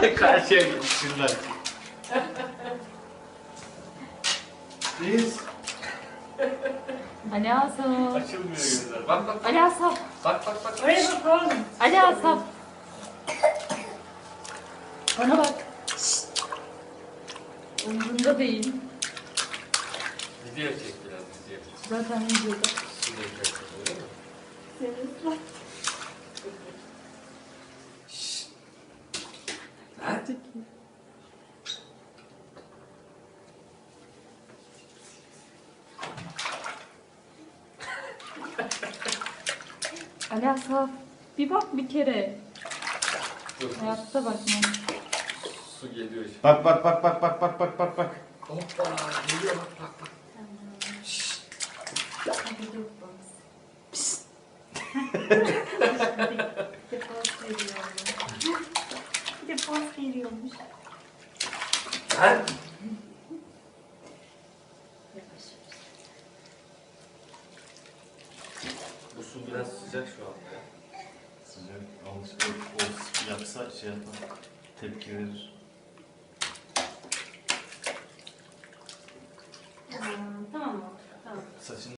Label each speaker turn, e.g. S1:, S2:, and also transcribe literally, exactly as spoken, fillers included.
S1: Karşıya gitsinler. Biz.
S2: Ali Asaf.
S1: Açılmıyor gözler. Bak bak.
S2: Ali Asaf.
S1: Bak bak bak.
S3: Oraya bak oğlum.
S2: Ali Asaf. Bana bak. Umurunda değil.
S1: Video çek biraz video.
S2: Zaten videoda.
S1: Video çek öyle mi?
S2: Senin var.
S1: Hadi.
S2: Ali Asaf. Bir bak bir kere.
S1: Dur.
S2: Hayatta bakma.
S1: Su geliyor şimdi.
S4: Bak bak bak bak bak bak bak bak bak.
S1: Hoppa geliyor bak bak bak.
S2: Hadi dur bak. Bir de poz veriyormuş. Bir de poz veriyormuş.
S1: Sen.
S2: Yavaş.
S1: Bu su biraz sıcak şu anda ya.
S4: Sıcak alışık o yapsa şey yapar. Tepki verir.
S3: Tamam mı? Tamam.
S4: Saçın